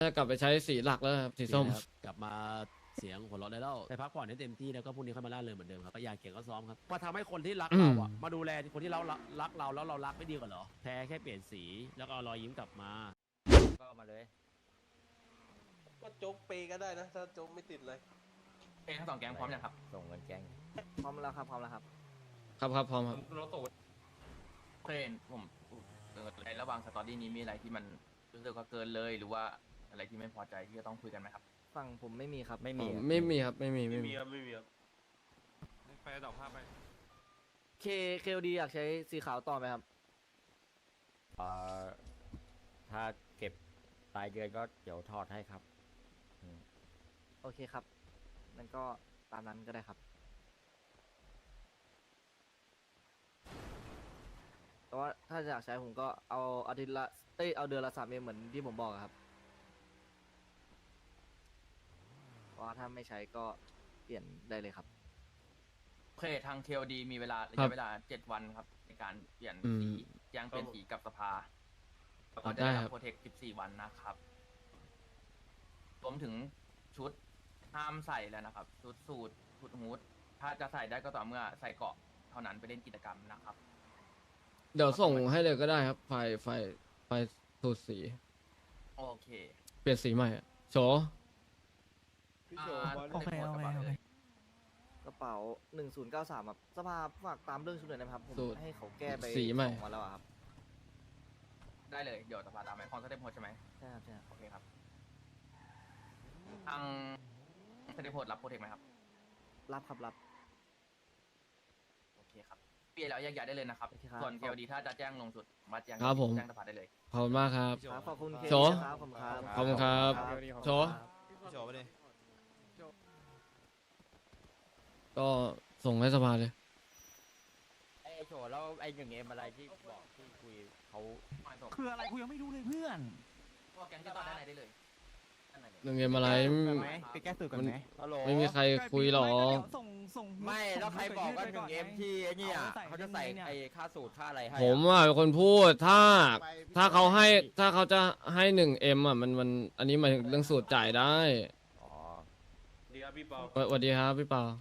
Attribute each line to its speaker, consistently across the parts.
Speaker 1: จะกลับไปใช้สีหลักแล้วครับสีส้ม
Speaker 2: ครับกลับมาเสียงหัวเราะได้แล้วไปพักผ่อนให้เต็มที่แล้วก็พรุ่งนี้ค่อยมาล่าเริงเหมือนเดิมครับก็อยากเก่งก็ซ้อมครับมาทำให้คนที่รักเราอ่ะมาดูแลคนที่เรารักเราแล้วเรารักไม่ดีกว่าเหรอแพ้แค่เปลี่ยนสีแล้วก็เอารอยยิ้มกลับมา
Speaker 3: ก็เอามาเลย
Speaker 4: ก็โจ๊กเปย์ก็ได้นะ ถ้าโจ๊กไม่ติดเลย
Speaker 5: ทั้งสองแก๊งพร้อมยังครับ
Speaker 3: ส่งเงินแก๊ง
Speaker 6: พร้อมแล้วครับพร้อมแล้วครับ
Speaker 1: ครับครับพร้อมครับ
Speaker 5: รถตูดเคยเห็นผมในระหว่างสตอรี่นี้มีอะไรที่มันรู้สึกว่าเกินเลย หรือว่าอะไรที่ไม่พอใจที่จะต้องคุยกันไหมครับ
Speaker 6: ฝั่งผมไม่มีครับ
Speaker 3: ไม่
Speaker 1: อ๋
Speaker 3: มี
Speaker 1: อ
Speaker 3: ครับ
Speaker 1: ไม่มีครับไม่มี
Speaker 4: ไม่
Speaker 1: ไม่
Speaker 4: มี
Speaker 1: มี
Speaker 4: ครับ ไม่มีครับ
Speaker 7: ไปต่อภาพไป
Speaker 6: เคลดีอยากใช้สีขาวต่อไหมครับ
Speaker 3: เอ่อถ้าเก็บรายเดือนก็เดี๋ยวถอดให้ครับ
Speaker 6: โอเคครับนั่นก็ตามนั้นก็ได้ครับ แต่ว่าถ้าอยากใช้ผมก็เอาอาทิตย์ละเอาเดือนละ3 เอ็มเหมือนที่ผมบอกอะครับเพราะว่าถ้าไม่ใช้ก็เปลี่ยนได้เลยครับ
Speaker 5: โอเคทาง KOD มีเวลาระ
Speaker 1: ครั
Speaker 5: ยะ
Speaker 1: บ
Speaker 5: เวลา7 วันครับ ในการเปลี่ยน
Speaker 1: อืม
Speaker 5: สีแจ้งเปลี่ยนสีกับสภาแล้วก็จะ
Speaker 1: ได้
Speaker 5: ได้
Speaker 1: ครั
Speaker 5: รับบ โปรเทค14 วันนะครับรวมถึงชุดห้ามใส่แล้วนะครับชุดสูทชุดฮูดถ้าจะใส่ได้ก็ต่อเมื่อใส่เกราะเท่านั้นไปเล่นกิจกรรมนะครับ
Speaker 1: เดี๋ยวส่งให้เลยก็ได้ครับไฟสูตรสี
Speaker 5: โอเค
Speaker 1: เปลี่ยนสีใหม่อะโฉ
Speaker 4: พี่โช
Speaker 5: โอเคโอเคโอเค
Speaker 6: กระเป๋า1093ครับสภาฝากตามเรื่องชุดหน่อยนะครับผม
Speaker 1: สูตร
Speaker 6: ให้เขาแก้ไป
Speaker 1: สีใหม่
Speaker 6: ส่งมาแล้วอะครับ
Speaker 5: ได้เลยเดี๋ยวสภาตามไปคอนเสิร์ตโพสใช่ไหม
Speaker 6: ใช่ครับใช่ครับ
Speaker 5: โอเคครับทางเซนติโพดรับโปรเทคไหมครับ
Speaker 6: รับครับรับ
Speaker 5: โอเคครับเปลี่ยนแล้วแยกย้ายได้เลยนะครับ
Speaker 6: โอเคครับ
Speaker 5: ส่วนเกลดีถ้าจะแจ้งลงสุดมาแจ้ง
Speaker 1: ครับผม
Speaker 5: แจ้งสภาได้เลย
Speaker 1: ขอบคุณมากครับ
Speaker 6: ครับขอบคุณเค
Speaker 1: โชว์
Speaker 6: ครับขอบคุณครับ
Speaker 1: ขอบคุณครับ โฉ
Speaker 7: พี่โฉไปเลย
Speaker 1: ก็ส่งให้สภาเลย
Speaker 3: ไอ้โฉแล้วไอ้1Mอะไรที่บอกที่คุยเขา
Speaker 8: คืออะไรกูยังไม่รู้เลยเพื่อน
Speaker 5: พวกแก๊งจะต่อด้านในได้เลย
Speaker 1: หนึ่งเกมอะไร
Speaker 8: ไปแก้สูตรกันไหม
Speaker 3: ฮัลโหล
Speaker 1: ไม่มีใครคุยหรอก
Speaker 8: ส่ง
Speaker 3: ไม่แล้วใครบอกว่า
Speaker 8: ส่ง
Speaker 3: 1M ที่ไอ้เนี่ย
Speaker 8: เอาไว้
Speaker 3: เขาจะใส่
Speaker 8: ในเนี่ย
Speaker 3: ไอ้ค่าสูตรค่าอะไรให้
Speaker 1: ผมอ่ะเป็นคนพูดถ้าเขาให้ถ้าเขาจะให้1Mอ่ะมันอันนี้หมายถึงเรื่องสูตรจ่ายได้
Speaker 3: อ๋อ
Speaker 4: ดีครับพี่เปา
Speaker 1: สวัสดีครับพี่เปา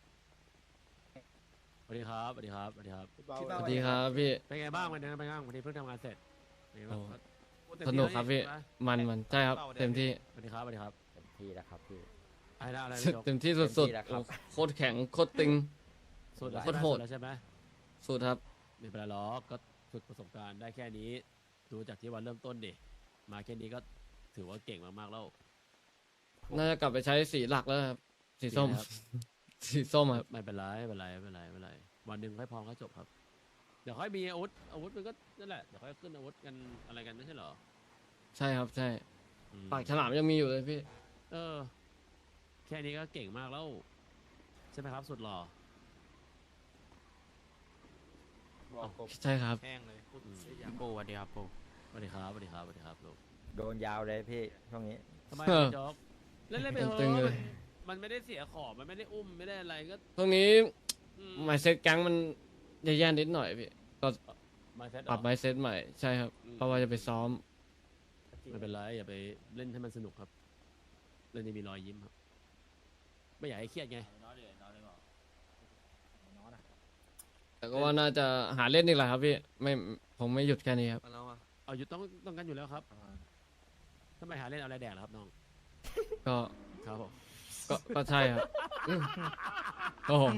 Speaker 2: สวัสดีครับสวัสดีครับสวัสดีครับ
Speaker 4: พี่เปา
Speaker 1: สวัสดีครับพี่
Speaker 2: เป็นไงบ้างวันนี้เป็นไงบ้างวันนี้เพิ่งทำงานเสร็จเป็นไงบ้าง
Speaker 1: โอ้ สนุกครับพี่ มันใช่ครับเต็มที่
Speaker 2: สวัสดีครับสวัสดีครับ
Speaker 3: เต็มที่แล้วครับพี่
Speaker 2: อะไรนะอะไรนะจบ
Speaker 1: เต็มที่สุด
Speaker 3: เต็มที่แล้วครับ
Speaker 1: ๆโคตรแข็งโคตรตึง
Speaker 2: สุดแล้ว
Speaker 1: โคตรโหด
Speaker 2: แล้วใช่ไหม
Speaker 1: สุดครับ
Speaker 2: ไม่เป็นไรหรอกก็ฝึกประสบการณ์ได้แค่นี้ดูจากที่วันเริ่มต้นดิมาแค่นี้ก็ถือว่าเก่งมากๆแล้ว
Speaker 1: น่าจะกลับไปใช้สีหลักแล้วครับสีส้ม
Speaker 2: ครับ
Speaker 1: สีส้มครับ
Speaker 2: ไม่เป็นไรไม่เป็นไรไม่เป็นไรไม่เป็นไรวันหนึ่งค่อยพร้อมค่อยจบครับ เดี๋ยวค่อยมีอาวุธมันก็นั่นแหละเดี๋ยวค่อยขึ้นอาวุธกันอะไรกันไม่ใช่เหรอ
Speaker 1: ใช่ครับใช่
Speaker 2: อืม
Speaker 1: ปากฉลามยังมีอยู่เลยพี่
Speaker 2: เออ แค่นี้ก็เก่งมากแล้ว ใช่ไหมครับ สุดหล่อ
Speaker 4: บอกกบ
Speaker 1: ใช่ครับ
Speaker 7: แห้งเลย
Speaker 2: อืม
Speaker 5: ปูสวัสดีครับปู
Speaker 2: สวัสดีครับสวัสดีครับสวัสดีครับลูก
Speaker 3: โดนยาวเลยพี่ช่วงนี้
Speaker 2: ทำไม
Speaker 1: เออ
Speaker 2: พี่จ๊อกเล่นไปเถ
Speaker 1: ตึงๆเล
Speaker 2: อะ
Speaker 1: ย
Speaker 2: มันไม่ได้เสียของมันไม่ได้อุ้มไม่ได้อะไรก็
Speaker 1: ตรงนี้
Speaker 2: อื
Speaker 1: ไมเซ็ตแก๊งมันแย่ๆนิดหน่อยพี่ก็
Speaker 2: มาเซ็ต
Speaker 1: ปรับไมเซ็ตใหม่ใช่ครับ
Speaker 2: อืม
Speaker 1: เพราะว่าจะไปซ้อม
Speaker 2: ไม่เป็นไรอย่าไปเล่นให้มันสนุกครับเล่นให้มีรอยยิ้มครับ ไม่อยากให้เครียดไง
Speaker 1: แต่ก็ว่าน่าจะหาเล่นอีกแหละครับพี่ไม่ผมไม่หยุดแค่นี้ครับ
Speaker 7: มาแล้วอ่ะ
Speaker 2: เอาอยู่ต้องกันอยู่แล้วครับทำไมหาเล่นเอาอะไรแดกล่ะครับน้อง
Speaker 1: ก็
Speaker 2: ครับผม
Speaker 1: ก็ใช่ครับโอ้โห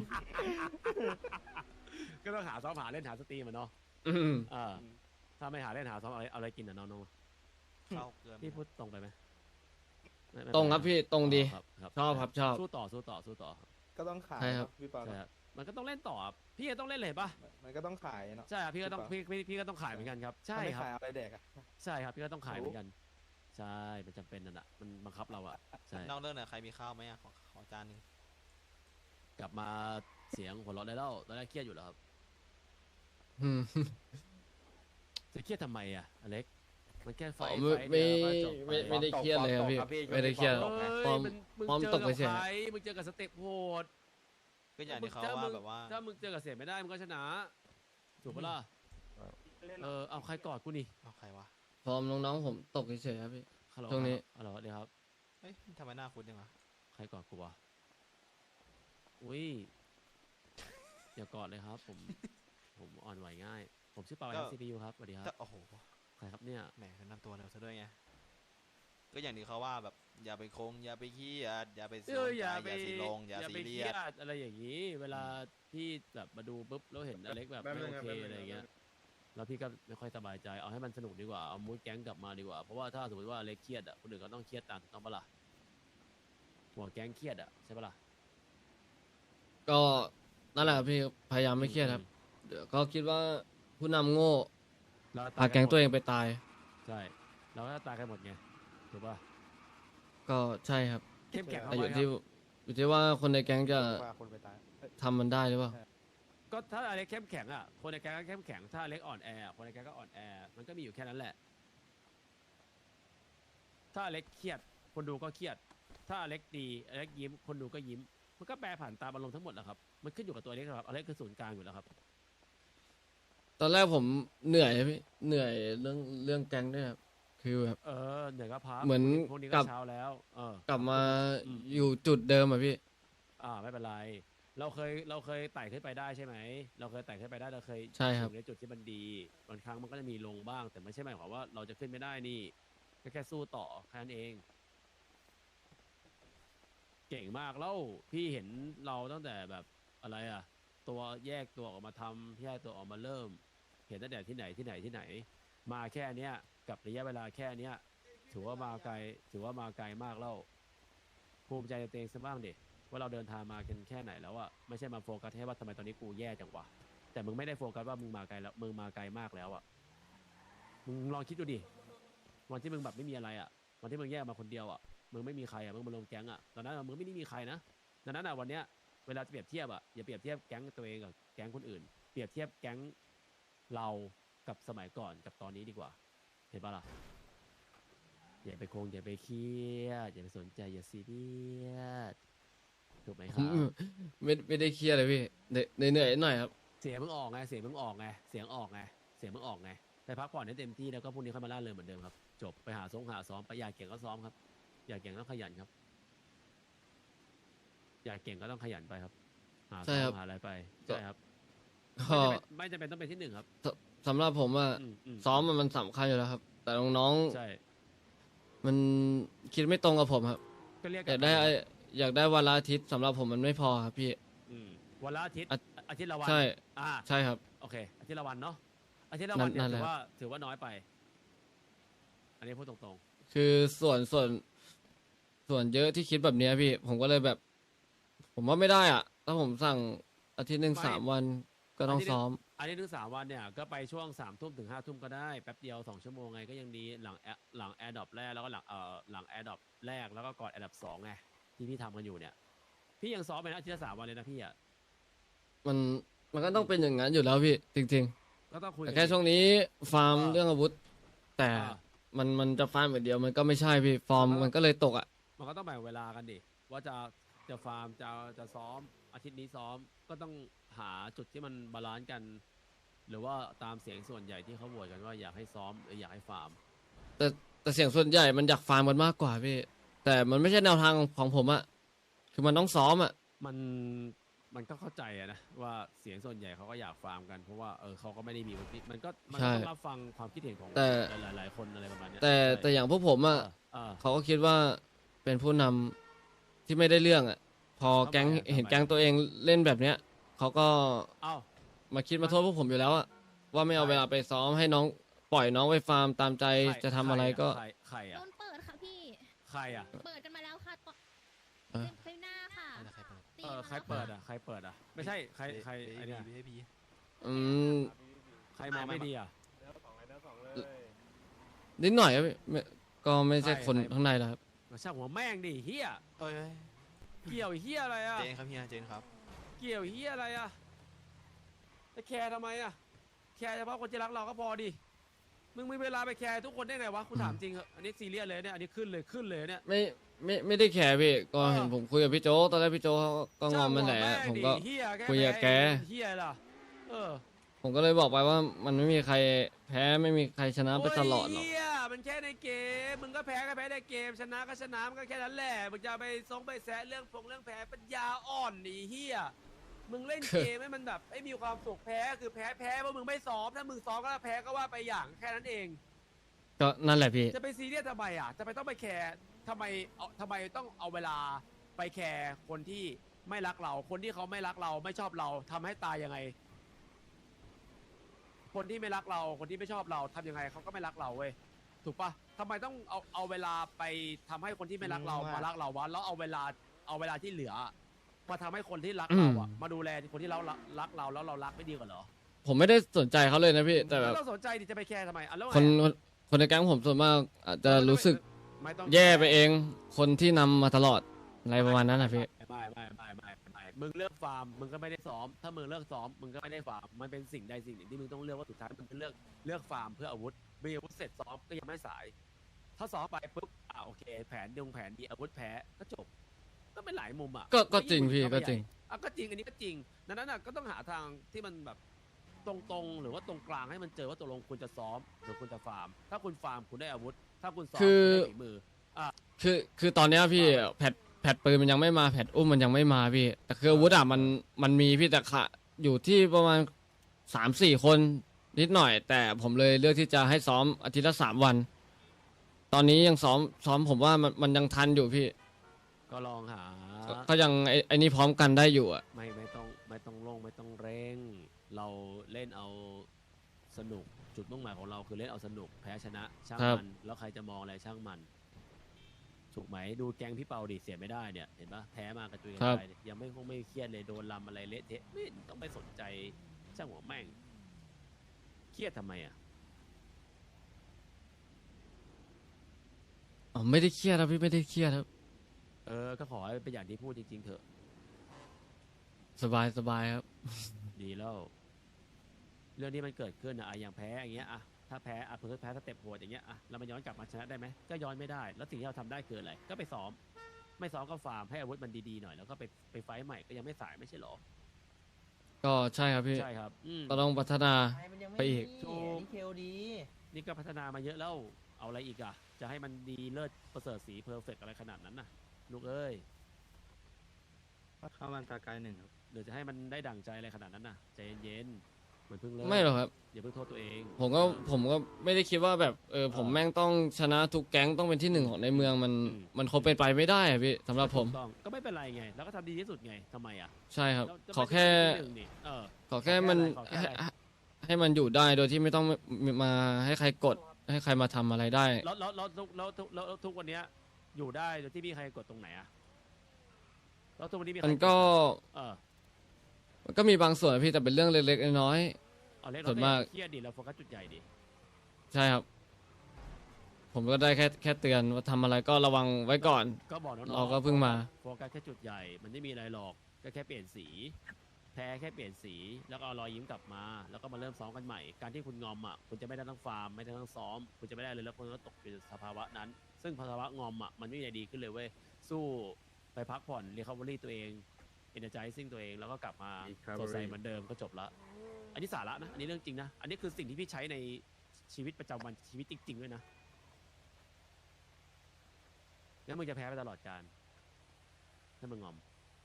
Speaker 2: ก็ต้องหาซ้อมหาเล่นหาสตรีมอ่ะเนาะ
Speaker 1: อืม
Speaker 2: ถ้าไม่หาเล่นหาซ้อมเอาอะไรกินอ่ะน้อง
Speaker 7: เข้าเกลือ
Speaker 2: ๆพี่พูดตรงไปไหมไม่
Speaker 1: ตรงครับพี่ตรงดี
Speaker 2: ครับ
Speaker 1: ชอบครับชอบ
Speaker 2: สู้ต่อ
Speaker 4: ก็ต้องขาย
Speaker 1: ใช่ครับ
Speaker 4: พี่เปา
Speaker 2: ใช่ครับมันก็ต้องเล่นต่อครับพี่ก็ต้องเล่นเลยเห็นปะ
Speaker 4: มันก็ต้องขายเนาะ
Speaker 2: ใช่ครับพี่ก็ต้อง
Speaker 4: ใช่ปะ
Speaker 2: พี่ก็ต้องขายเหมือนกันครับใช่
Speaker 4: ถ้าไม่
Speaker 2: ครับ
Speaker 4: ขายอะไรแดกอะ
Speaker 2: ใช่ครับพี่ก็ต้องขายเหมือนกัน ใช่มันจำเป็นนั่นแหะมันบังคับเราอะใช่
Speaker 7: นอกเรื่องหน่อยใครมีข้าวไหมอ่ะขอจานหนึง
Speaker 2: กลับมาเสียงหัวเราะได้แล้วตอนแรกเครียดอยู่แล้วครับ
Speaker 1: อืม
Speaker 2: จะเครียดทำไมอะอเล็กมันแค่ไฟ
Speaker 1: อ๋อ
Speaker 2: ไฟ
Speaker 1: ไม่
Speaker 2: เดียวก็จบไป
Speaker 1: ไม่ได้เครียดเลยครับพี่ ไม่ได้เครียด
Speaker 2: เอ้ย
Speaker 1: ฟอร์ม
Speaker 2: มึง
Speaker 1: ฟอร์ม
Speaker 2: เจอ
Speaker 1: ตก
Speaker 2: กั
Speaker 1: ไป
Speaker 2: บ
Speaker 1: เฉย
Speaker 2: ใครมึงเจอกับสเต็ปโหด
Speaker 7: ก็อย่างที่เขาว่าแบบว่า
Speaker 2: ถ้ามึงเจอกับเสียไม่ได้มึงก็ชนะถูกปะล่ะเอาใครกอดกูนี่
Speaker 7: เอาใครวะ
Speaker 1: ฟอร์มน้องๆผมตกเฉยๆครับพี่
Speaker 2: ใคฮัลโหล
Speaker 1: ช่วงนี้
Speaker 2: ฮัลโหลเดี๋ยวครับ
Speaker 7: เฮ้ยทำไมหน้าคุ้นจังวะ
Speaker 2: ใครกอดกูวะอุ้ยอย่ากอดเลยครับ ผมอ่อนไหวง่าย ผมชื่อเปา CPU ครับสวัสดีครับ
Speaker 7: แต่โอ้โห
Speaker 2: ใครครับเนี่ย
Speaker 7: แหมแนะนำตัวเร็วซะด้วยไง ก็อย่างที่เขาว่าแบบอย่าไปคงอย่าไปขี้อย่าไปสนใจอย่าสีลงอย่า
Speaker 2: อย่า
Speaker 7: ซี
Speaker 2: ไป
Speaker 7: เรี
Speaker 2: เค
Speaker 7: ย
Speaker 2: รี
Speaker 7: ส
Speaker 2: ยดอะไรอย่างนี้ เวลาพี่แบบมาดูปุ๊บแล้วเห็นอเล็กแบบไม่โอเคอะไรอย่างเงี้ยแล้วพี่ก็ไม่ค่อยสบายใจเอาให้มันสนุกดีกว่าเอามูดแก๊งกลับมาดีกว่าเพราะว่าถ้าสมมติว่าอเล็กเครียดอ่ะคนอื่นก็ต้องเครียดตามถูกต้องปะล่ะหัวแก๊งเครียดอ่ะใช่ปะล่ะ
Speaker 1: ก็นั่นแหละครับพี่พยายามไม่เครียดครับเดี๋ยวก็คิดว่าผู้นำโง่
Speaker 2: แล้ว
Speaker 1: พาแก๊งตัวเองไปตาย
Speaker 2: ใช่เราก็ตายกันหมดไงถูกป่ะ
Speaker 1: ก็ใช่ครับ
Speaker 2: เข้มแข็ง
Speaker 1: แต่
Speaker 2: เข้า
Speaker 1: อ
Speaker 2: ไว้
Speaker 1: ยู่
Speaker 2: ค
Speaker 1: ที่
Speaker 2: รับ
Speaker 1: อยู่ที่ว่าคนในแก๊งจะ
Speaker 8: ว่าคนไปตาย
Speaker 1: ทำมันได้หรือเปล่า
Speaker 2: ก็ถ้าอเล็กเข้มแข็งอ่ะคนในแก๊งก็เข้มแข็งถ้าอเล็กอ่อนแอคนในแก๊งก็อ่อนแอมันก็มีอยู่แค่นั้นแหละ ถ้าอเล็กเครียดคนดูก็เครียด ถ้าอเล็กดีอเล็กยิ้มคนดูก็ยิ้ม มันก็แปรผันตามอารมณ์ทั้งหมดแหละครับ มันขึ้นอยู่กับตัวอเล็กครับอเล็กคือศูนย์กลางอยู่แล้วครับ
Speaker 1: ตอนแรกผมเหนื่อยครับพี่เหนื่อยเรื่องแก๊งด้วยครับคือแบบ
Speaker 2: เหนื่อยก็พัก
Speaker 1: เหมือน
Speaker 2: พวกนี้
Speaker 1: กลั
Speaker 2: ก็
Speaker 1: บ
Speaker 2: เช้าแล้ว
Speaker 1: กลับมา
Speaker 2: อืม
Speaker 1: อยู่จุดเดิมอะพี่
Speaker 2: ไม่เป็นไร เราเคยไต่ขึ้นไปได้ใช่ไหม เราเคยไต่ขึ้นไปได้เราเคย
Speaker 1: ใช่ครับ
Speaker 2: อยู่ในจุดที่มันดี บางครั้งมันก็จะมีลงบ้าง แต่ไม่ใช่หมายความว่าเราจะขึ้นไม่ได้นี่ก็แค่สู้ต่อแค่นั้นเอง เก่งมากแล้วพี่เห็นเราตั้งแต่แบบอะไรอ่ะ ตัวแยกตัวออกมาทำแยกตัวออกมาเริ่ม เห็นตั้งแต่ที่ไหน มาแค่เนี้ยกับระยะเวลาแค่เนี้ยถือว่ามาไกลมากแล้วภูมิใจในตัวเองซะบ้างดิว่าเราเดินทางมากันแค่ไหนแล้วอะไม่ใช่มาโฟกัสแค่ว่าทำไมตอนนี้กูแย่จังวะแต่มึงไม่ได้โฟกัสว่ามึงมาไกลแล้วมึงมาไกลมากแล้วอะมึงลองคิดดูดิวันที่มึงแบบไม่มีอะไรอะวันที่มึงแยกมาคนเดียวอะมึงไม่มีใครอะมึงมาลงแก๊งอะตอนนั้นอะมึงไม่ได้มีใครนะดังนั้นอะวันเนี้ยเวลาจะเปรียบเทียบอะอย่าเปรียบเทียบแก๊งตัวเองกับแก๊งคนอื่นเปรียบเทียบแก๊งเรากับสมัยก่อนกับตอนนี้ดีกว่าเห็นปะล่ะอย่าไปอย่าไปเครียดอย่าไปสนใจอย่าซีเรียสถูกไหมค
Speaker 1: ผ
Speaker 2: รั
Speaker 1: ม
Speaker 2: บ
Speaker 1: ไม่ได้เครียดเลยพี่เหนื่อยหน่อยครับ
Speaker 2: เสียงมึงออกไงเสียงมึงออกไงไปพักผ่อนให้เต็มที่แล้วก็พรุ่งนี้ค่อยมาล่าเริงเหมือนเดิมครับจบไปหาซ้อมไปอยากเก่งก็ซ้อมครับอยากเก่งต้องขยันครับอยากเก่งก็ต้องขยันไปครับหา
Speaker 1: ใช่
Speaker 2: ซ้อ
Speaker 1: ครั
Speaker 2: ม
Speaker 1: บ
Speaker 2: หาอะไรไป
Speaker 1: ก็
Speaker 2: ใช่ครับ
Speaker 1: ก็
Speaker 2: ไม่จำเป็นต้องเป็นที่หนึ่งครับ
Speaker 1: สำหรับผมอะ
Speaker 2: ม
Speaker 1: ซ้อมมันสำคัญอยู่แล้วครับ แต่น้อง
Speaker 2: ใช่
Speaker 1: ๆมันคิดไม่ตรงกับผมครับ
Speaker 2: ก็เรียก
Speaker 1: อยากได้วันละอาทิตย์สำหรับผมมันไม่พอครับพี่
Speaker 2: วันละอาทิตย์
Speaker 1: อ่ะ
Speaker 2: อาทิตย์ละวัน
Speaker 1: ใช่
Speaker 2: อ่า
Speaker 1: ใช่ครับ
Speaker 2: โอเคอาทิตย์ละวันเนาะอาทิตย์ละวันเนี่ย
Speaker 1: นั่นแห
Speaker 2: ถื
Speaker 1: ละ
Speaker 2: อว่าน้อยไป อันนี้พูดตรง
Speaker 1: คือส่วนเยอะที่คิดแบบเนี้ยพี่ ผมก็เลยแบบ ผมว่าไม่ได้อ่ะ ถ้าผมสั่งอาทิตย์หนึ่ง
Speaker 2: ไม่
Speaker 1: 3 วันก็ต้องซ้อม
Speaker 2: ๆอันนี้ถึง3 วันเนี่ยก็ไปช่วง3 ทุ่มถึง5 ทุ่มก็ได้แป๊บเดียว2 ชั่วโมงไงก็ยังดีหลังแอร์ดรอปแรกแล้วก็หลังแอร์ดรอปแรกแล้วก็ก่อนแอร์ดรอป2ไงที่พี่ทำกันอยู่เนี่ยพี่ยังซ้อมไปนะอาทิตย์ละ3 วันเลยนะพี่อ่ะ
Speaker 1: มันก็ต้องเป็นอย่างนั้นอยู่แล้วพี่ จริง
Speaker 2: ก็ต้องคุ
Speaker 1: ๆ
Speaker 2: ย
Speaker 1: แต่
Speaker 2: กัน
Speaker 1: แค่ช่วงนี้ฟาร์ม
Speaker 2: อ่า
Speaker 1: เรื่องอาวุธ แต่
Speaker 2: อ่า
Speaker 1: มันจะฟาร์มอย่างเดียวมันก็ไม่ใช่พี่ ฟอร์มมันก็เลยตกอ่ะ
Speaker 2: มันก็ต้องแบ่งเวลากันดิว่าจะฟาร์มจะซ้อมอาทิตย์นี้ซ้อมก็ต้องหาจุดที่มันบาลานซ์กัน หรือว่าตามเสียงส่วนใหญ่ที่เขาโหวตกันว่าอยากให้ซ้อมหรืออยากให้ฟาร์ม
Speaker 1: แต่เสียงส่วนใหญ่มันอยากฟาร์มกันมากกว่าพี่ แต่มันไม่ใช่แนวทางของผมอะคือมันต้องซ้อมอะ
Speaker 2: มันก็เข้าใจอะนะว่าเสียงส่วนใหญ่เขาก็อยากฟาร์มกันเพราะว่าเขาก็ไม่ได้มีมันก็
Speaker 1: ใช่
Speaker 2: ต้องรับฟังความคิดเห็นของ
Speaker 1: แต่
Speaker 2: หลายๆคนอะไรประมาณเนี้ย
Speaker 1: แต่
Speaker 2: ใช่
Speaker 1: แต่อย่างพวกผมอะ
Speaker 2: เออ
Speaker 1: เขาก็คิดว่าเป็นผู้นำที่ไม่ได้เรื่องอะพอแก๊ง
Speaker 2: ทำไมอะ
Speaker 1: เห็น
Speaker 2: ทำไม
Speaker 1: แก๊งตัวเองเล่นแบบเนี้ยเขาก็
Speaker 2: เอ้า
Speaker 1: มาคิดมาโทษพวกผมอยู่แล้วอะว่าไม่เอาเวลาไปซ้อมให้น้องปล่อยน้องไปฟาร์มตามใจจะทำอะไรก็
Speaker 2: ใคร
Speaker 9: โด
Speaker 2: อะ
Speaker 9: นเปิดค่ะพี่
Speaker 2: ใครอะ
Speaker 9: เปิดกันมาแล้วค่ะตอน
Speaker 1: เออ
Speaker 9: คลิปหน้าค่ะ
Speaker 7: อะไรใครเปิด
Speaker 9: ตี
Speaker 2: ใคร
Speaker 9: มา
Speaker 2: เปิด
Speaker 9: แล้ว
Speaker 2: อะใครเปิดอะไม่ใช่ใครไอเนี่ย
Speaker 7: VIP
Speaker 1: อืม
Speaker 2: ใครมองไม่ดีอะ
Speaker 1: นิดหน่อยครับพี่ก็ไม่ใช่คน
Speaker 2: ใคร
Speaker 1: ข้างในแล้วครับ
Speaker 2: มาช่างหัวแม่งดิเฮีย
Speaker 7: เอ้ย
Speaker 2: เกี่ยวเฮียอะไรอะ
Speaker 7: เจนครับเฮียเจนครับ
Speaker 2: เกี่ยวเฮียอะไรอะจะแคร์ทำไมอะแคร์เฉพาะคนที่รักเราก็พอดิมึงมีเวลาไปแคร์ทุกคนได้ไงวะคุณถามจริงเหอะอันนี้ซีเรียสเลยเนี่ยอันนี้ขึ้นเลยเนี่ย
Speaker 1: ไม่ได้แคร์พี่ก็
Speaker 2: เออ
Speaker 1: เห็นผมคุยกับพี่โจกตอนแรกพี่โจกเขาก็งอมมันแหละผมก็
Speaker 2: เฮียแก
Speaker 1: คุยกับแก
Speaker 2: เฮียล่ะเออ
Speaker 1: ผมก็เลยบอกไปว่ามันไม่มีใครแพ้ไม่มีใครชนะไปตลอดหรอก
Speaker 2: โยเฮียมันแค่ในเกมมึงก็แพ้ก็แพ้ในเกมชนะก็ชนะมันก็แค่นั้นแหละมึงจะไปไปแซะเรื่องเรื่องแพ้ปัญญาอ่อนนี่เฮียมึงเล่นเกมให้มันแบบให้มีความสุขแพ้คือแพ้เพราะมึงไม่ซ้อมถ้ามึงซ้อมก็แพ้ก็ว่าไปอย่างแค่นั้นเอง
Speaker 1: ก็นั่นแหละพี่
Speaker 2: จะไปซีเรียสทำไมอ่ะจะไปต้องไปแคร์ทำไมต้องเอาเวลาไปแคร์คนที่ไม่รักเรา คนที่เขาไม่รักเราไม่ชอบเราทำให้ตายยังไง คนที่ไม่รักเรา คนที่ไม่ชอบเราทำยังไงเขาก็ไม่รักเราเว้ยถูกปะทำไมต้องเอาเวลาไปทำให้คนที่ไม่รักเรามารักเราวะแล้วเอาเวลาที่เหลือมาทำให้คนที่รักเราอ่ะมาดูแลคนที่เรารักเราแล้วเรารักไม่ดีกว่าเหรอ
Speaker 1: ผมไม่ได้สนใจเขาเลยนะพี่แต่แบบ
Speaker 2: ไม่ต้องสนใจดิจะไปแคร์ทำไมอ่ะแล้วไง
Speaker 1: คนในแก๊งผมส่วนมากอาจจะรู้สึก
Speaker 2: ไม่ต้อง
Speaker 1: แย่ไปเอง คนที่นำมาตลอดอะไรประมาณนั้นนะพี่
Speaker 2: ไม่มึงเลือกฟาร์มมึงก็ไม่ได้ซ้อมถ้ามึงเลือกซ้อมมึงก็ไม่ได้ฟาร์มมันเป็นสิ่งใดสิ่งหนึ่งที่มึงต้องเลือกว่าสุดท้ายมึงเลือกฟาร์มเพื่ออาวุธมีอาวุธเสร็จซ้อมก็ยังไม่สาย ถ้าซ้อมไปปุ๊บโอเคแผนดีอาวุธแพ้ก็จบก็เป็นหลายมุมอ่ะ
Speaker 1: ก็จริงพี่ก็จริง
Speaker 2: ก็จริงอันนี้ก็จริงดังนั้นก็ต้องหาทางที่มันแบบตรงๆหรือว่าตรงกลางให้มันเจอว่าตกลงคุณจะซ้อมหรือคุณจะฟาร์มถ้าคุณฟาร์มคุณได้อาวุธ ถ้าคุณซ้อม
Speaker 1: คือ
Speaker 2: คุณได้ฝีมือ
Speaker 1: คือตอนเนี้ยพี่แพทปืนมันยังไม่มาแพทอุ้มมันยังไม่มาพี่แต่คืออาวุธอ่ะมันมีพี่แต่ค่ะอยู่ที่ประมาณ3-4 คนนิดหน่อย แต่ผมเลยเลือกที่จะให้ซ้อมอาทิตย์ละ3 วัน ตอนนี้ยังซ้อมผมว่ามันยังทันอยู่พี่
Speaker 2: ก็ลองหา
Speaker 1: ก็ยังไอ้นี่พร้อมกันได้อยู่อ่ะ
Speaker 2: ไม่ต้องลงไม่ต้องเร่ง เราเล่นเอาสนุกจุดมุ่งหมายของเราคือเล่นเอาสนุกแพ้ชนะช่างมันแล้วใครจะมองอะไรช่างมันถูกไหมดูแกงพี่เปาดิเสียไม่ได้เนี่ยเห็นปะแพ้มากระจุยกระจายเนี่ยยังไม่เครียดเลยโดนลำอะไรเละเทะไม่ต้องไปสนใจช่างหัวแม่งเครียดทำไมอ่ะ
Speaker 1: อ๋อไม่ได้เครียดครับพี่ไม่ได้เครียดครับ
Speaker 2: ก็ขอให้เป็นอย่างที่พูดจริงๆเถอะ
Speaker 1: สบายครับ
Speaker 2: ดีแล้ว เรื่องที่มันเกิดขึ้นอะอย่างแพ้อย่างเงี้ยอะถ้าแพ้เพิ่งแพ้สเต็ปโหดอย่างเงี้ยอะแล้วมันย้อนกลับมาชนะได้ไหมก็ย้อนไม่ได้แล้วสิ่งที่เราทำได้คืออะไรก็ไปซ้อมไม่ซ้อมก็ฟาร์มให้อาวุธมันดีๆหน่อยแล้วก็ไปไฟท์ใหม่ก็ยังไม่สายไม่ใช่หรอ
Speaker 1: ก็ใช่ครับพี่
Speaker 2: ใช่ครับ
Speaker 1: ก็ต้องพัฒนา ไปอีก
Speaker 2: ถูกนี่ก็พัฒนามาเยอะแล้วเอาอะไรอีกอะจะให้มันดีเลิศประเสริฐสีเพอร์เฟกอะไรขนาดนั้นน่ะลูกเอ้ย
Speaker 8: เข้ามันตาไกลหนึ่งครับ
Speaker 2: เดี๋ยวจะให้มันได้ดั่งใจอะไรขนาดนั้นน่ะใจเย็นๆเหมือนเพิ่งเริ่ม
Speaker 1: ไม่หรอกครับ
Speaker 2: อย่าเพิ่งโทษตัวเอง
Speaker 1: ผมก็ไม่ได้คิดว่าแบบผมแม่งต้องชนะทุกแก๊งต้องเป็นที่ 1ของในเมืองมันคงเป็นไปไม่ได้อะพี่สำหรับผม
Speaker 2: ถูกต้องก็ไม่เป็นไรไงแล้วก็ทำดีที่สุดไงทำไมอ่ะ
Speaker 1: ใช่ครับ
Speaker 2: เราจะ
Speaker 1: ขอแค่
Speaker 2: ไม่ได้ที่หนึ่งนี่
Speaker 1: ขอแค่มัน
Speaker 2: ขอแค่อะไร
Speaker 1: ให้มันอยู่ได้โดยที่ไม่ต้องมาให้ใครกดให้ใครมาทำอะไรได้
Speaker 2: แล้วทุกวันเนี้ยอยู่ได้โดยที่มีใครกดตรงไหนอ่ะแล้วทุกวันนี้มีใคร
Speaker 1: มันก็
Speaker 2: เออ
Speaker 1: มันก็มีบางส่วนอะพี่แต่เป็นเรื่องเล็กๆน้อย
Speaker 2: เอาเล็ก
Speaker 1: ส่วนมาก
Speaker 2: เครียดดิเราโฟกัสจุดใหญ่ดิ
Speaker 1: ๆใช่ครับ ผมก็ได้แค่เตือนว่าทำอะไรก็ระวังไว้ก่อน
Speaker 2: ก็บอกน้องๆ
Speaker 1: เราก็เพิ่งมา
Speaker 2: โฟกัสแค่จุดใหญ่มันไม่มีอะไรหรอกก็แค่เปลี่ยนสี แพ้แค่เปลี่ยนสีแล้วก็เอารอยยิ้มกลับมา แล้วก็มาเริ่มซ้อมกันใหม่การที่คุณงอมอ่ะคุณจะไม่ได้ทั้งฟาร์มไม่ได้ทั้งซ้อมคุณจะไม่ได้เลยแล้วคุณก็ตกอยู่ในสภาวะนั้น ซึ่งภาวะงอมอ่ะมันไม่มีอะไรดีขึ้นเลยเว้ยสู้ไปพักผ่อนรีคาเวอรี่ตัวเองเอเนอร์ไจซิ่งตัวเองแล้วก็กลับมาสดใสเหมือนเดิมก็จบละอันนี้สาระนะอันนี้เรื่องจริงนะอันนี้คือสิ่งที่พี่ใช้ในชีวิตประจำวันชีวิตจริงๆด้วยนะงั้นมึงจะแพ้ไปตลอดกาลถ้ามึงงอม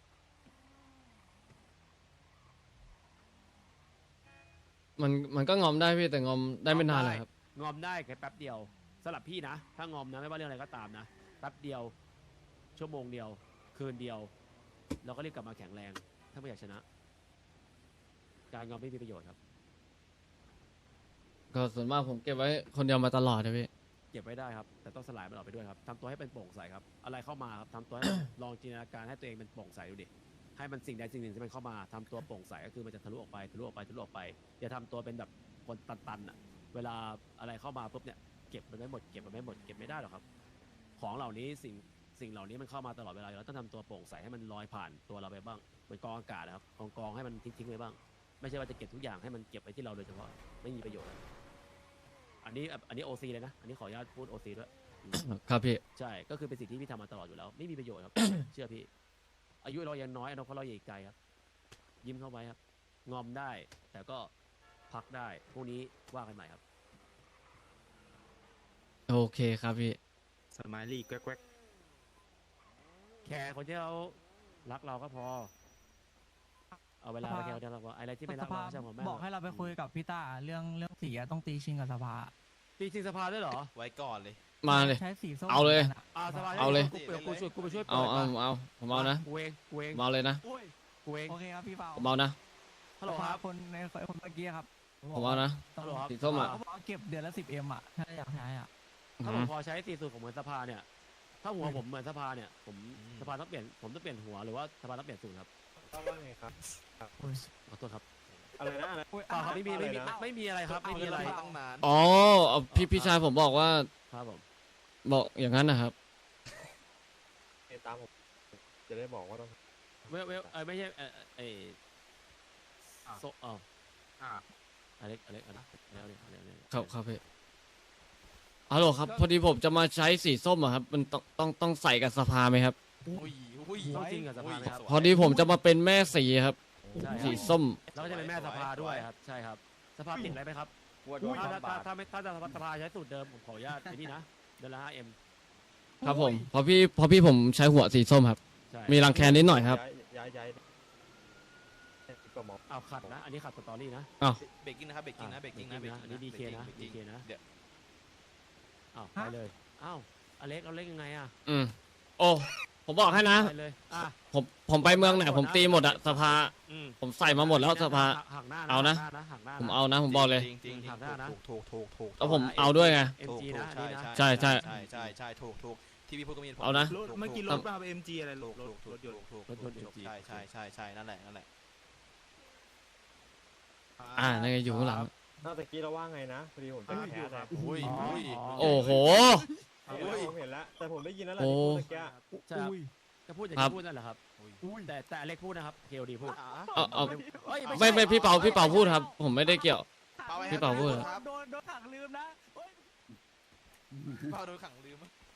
Speaker 1: มันก็งอมได้พี่แต่งอมได้ไม่นานเลยครับ
Speaker 2: งอมได้แค่แป๊บเดียวสำหรับพี่นะถ้างอมนะไม่ว่าเรื่องอะไรก็ตามนะแป๊บเดียวชั่วโมงเดียวคืนเดียวเราก็รีบกลับมาแข็งแรงถ้าไม่อยากชนะ การงอมไม่มีประโยชน์ครับ
Speaker 1: ก็ส่วนมากผมเก็บไว้คนเดียวมาตลอดนะพี่
Speaker 2: เก็บไว้ได้ครับแต่ต้องสลายมันออกไปด้วยครับทำตัวให้เป็นโปร่งใสครับอะไรเข้ามาครับทำตัวให้ ลองจินตนาการให้ตัวเองเป็นโปร่งใสดูดิให้มันสิ่งใดสิ่งหนึ่งที่มันเข้ามาทำตัวโปร่งใสก็คือมันจะทะลุออกไปทะลุออกไปทะลุออกไปอย่าทำตัวเป็นแบบคนตันๆอ่ะเวลาอะไรเข้ามาปุ๊บเนี่ยเก็บมันไม่หมดเก็บมันไม่หมดเก็บไม่ได้หรอกครับของเหล่านี้สิ่งเหล่านี้มันเข้ามาตลอดเวลาเราต้องทำตัวโปร่งใสให้มันลอยผ่านตัวเราไปบ้างเหมือนกองอากาศนะครับกองให้มันทิ้งไว้บ้างไม่ใช่ว่าจะเก็บทุกอย่างให้มันเก็บไว้ที่เราโดยเฉพาะไม่มีประโยชน์อันนี้โอซีเลยนะอันนี้ขออนุญาตพูดโอซีด้วย
Speaker 1: ครับพี่
Speaker 2: ใช่ก็คือเป็นสิ่งที่พี่ทำมาตลอดอยู่แล้วไม่มีประโยชน์ครับ เชื่อพี่อายุเรายังน้อยอนาคตเรายังอีกไกลครับยิ้มเข้าไว้ครับงอมได้แต่ก็พักได้พรุ่งนี้ว่ากันใหม่ครับ
Speaker 1: โอเคครับพี่
Speaker 8: สมายลี่แก๊ก
Speaker 2: แค่คนที่เขารักเราก็พอ เอาเวลาไปแค่คนที่เราพออะไรที่ไม่รักเราไม่ใช่ผมแม่
Speaker 9: บอกให้เราไปคุยกับพี่ต้าเรื่องสีอะต้องตีชิงกับสภา
Speaker 2: ตีจริงสภาด้วยเหรอ
Speaker 7: ไว้ก่อนเลย
Speaker 1: มาเลย
Speaker 9: ใช้สีส้ม
Speaker 1: เอาเลย
Speaker 9: หมืนกันอะ
Speaker 2: สภา
Speaker 1: เอาเลย
Speaker 2: กูไปช่วยเปิด
Speaker 1: เอาผมเอานะ
Speaker 2: กูเอง
Speaker 1: ผมเอาเลยนะ
Speaker 2: กูเอง
Speaker 9: โอเคครับพี่เปา
Speaker 1: ผมเอานะ
Speaker 2: ฮัลโหลครับ
Speaker 9: คนในคนเมื่อกี้ครับ
Speaker 1: ผมเอานะ
Speaker 2: ฮัลโหลครับ
Speaker 1: สีส้มอะ
Speaker 9: เขาบอกว่าเก็บเดือนละ10Mอะถ้าอยากใช้อะ
Speaker 2: ถ้าผมพอใช้สีสูตรผมเหมือนสภาเนี่ย ถ้าหัวผมเหมือนสภาเนี่ย ผมสภาต้องเปลี่ยน ผมต้องเปลี่ยนหัวหรือว่าสภาต้องเปลี่ยนสูตรครับ
Speaker 4: ว่าไงครับ
Speaker 2: ขอโทษครับ
Speaker 4: อะไรนะอะไร
Speaker 9: อุ๊ย
Speaker 2: เปล่าครับไม่มีอะไรครับไม่มีอะไร
Speaker 6: ตั้งนาน
Speaker 1: อ๋อเอาพี่ชายผมบอกว่า
Speaker 2: ครับผม
Speaker 1: บอกอย่างนั้นนะครับ
Speaker 4: ตามผมจะได้บอกว่าต้อง
Speaker 2: ไม่ใช่โซอเล็กอะไร
Speaker 1: ครับครับพี่ฮัลโหลครับ พอดีผมจะมาใช้สีส้มอะครับ มันต้องใส่กับสภาไหมครับ
Speaker 7: อุ้ยอุ้ย
Speaker 2: ต้องจริงกับสภาไหมครับ
Speaker 1: พอดีผมจะมาเป็นแม่สีครับ
Speaker 2: ใช่
Speaker 1: สีส้ม
Speaker 2: แล้วก็จะเป็นแม่สภาด้วยครับ ใช่ครับ สภาติดอะไรไหมครับ
Speaker 3: กลัวโดน
Speaker 2: ถ้า
Speaker 3: ทำบาป
Speaker 2: ถ้าสภาใช้สูตรเดิมผมขออนุญาตไอ้นี่นะเดือนละ 5M
Speaker 1: ครับผมพอพี่ผมใช้หัวสีส้มครับ
Speaker 2: ใช่
Speaker 1: มีรังแคนิดหน่อยครับ
Speaker 4: ย้ายก็หมอ
Speaker 2: เอาขัดนะ อันนี้ขัดสตอรี่นะ
Speaker 7: เบรกกิ้งนะครับเบรกกิ้งนะเบรกกิ้งนะเบรกกิ้ง
Speaker 2: อันนี้ DK นะ DK นะ
Speaker 7: เดี๋ยว
Speaker 2: อ้าวไปเลยอ้าวอเล็กเราเล่นยังไงอ่ะ
Speaker 1: อืมโอ้ผมบอกให้นะ
Speaker 2: ไปเลย
Speaker 1: ผมไปเมืองไหนผมตีหมดอะสภา
Speaker 2: อืม
Speaker 1: ผมใส่มาหมดแล้วสภา
Speaker 2: หักหน้า
Speaker 1: เอานะ
Speaker 2: หักหน้า
Speaker 1: ผมเอานะ ผมบอกเลย
Speaker 7: จริงจริง
Speaker 2: หักหน้านะ
Speaker 7: ถูก
Speaker 1: แล้วผมเอาด้วยไง
Speaker 2: MG นะอันนี้นะ
Speaker 1: ใช่ใช่
Speaker 7: ใช่ถูกที่พี่พูดก็มี
Speaker 1: เอานะ
Speaker 8: ๆเมื่อกี้รถมาเป็น MG อะไรรถยนต์
Speaker 7: ใช่นั่นแหละ
Speaker 1: นั่นไงอยู่ข้างหลัง
Speaker 4: นอกจากกี้เราว่าไงนะพอดีผมจะแคสนะ
Speaker 7: อุ้ย
Speaker 1: โอ้โห
Speaker 4: ผมเห็นแล้วแต่ผมได้ยินแล้วแหละ
Speaker 1: โอ้
Speaker 4: ที่พูดเมื่อกี้
Speaker 2: ใช่ครับก็พูดอย่าง
Speaker 1: ครั
Speaker 2: ที่
Speaker 1: บ
Speaker 2: พูดนั่นแหละครับแต่อเล็กพูดนะครับ KOD พูด
Speaker 1: เอา
Speaker 2: เอ้ย
Speaker 1: ไม่พี่เปาพูดครับ ผมไม่ได้เกี่ยว พี่เปาพูด
Speaker 9: โดนขังลืมนะ
Speaker 7: เปาโดนขังลืม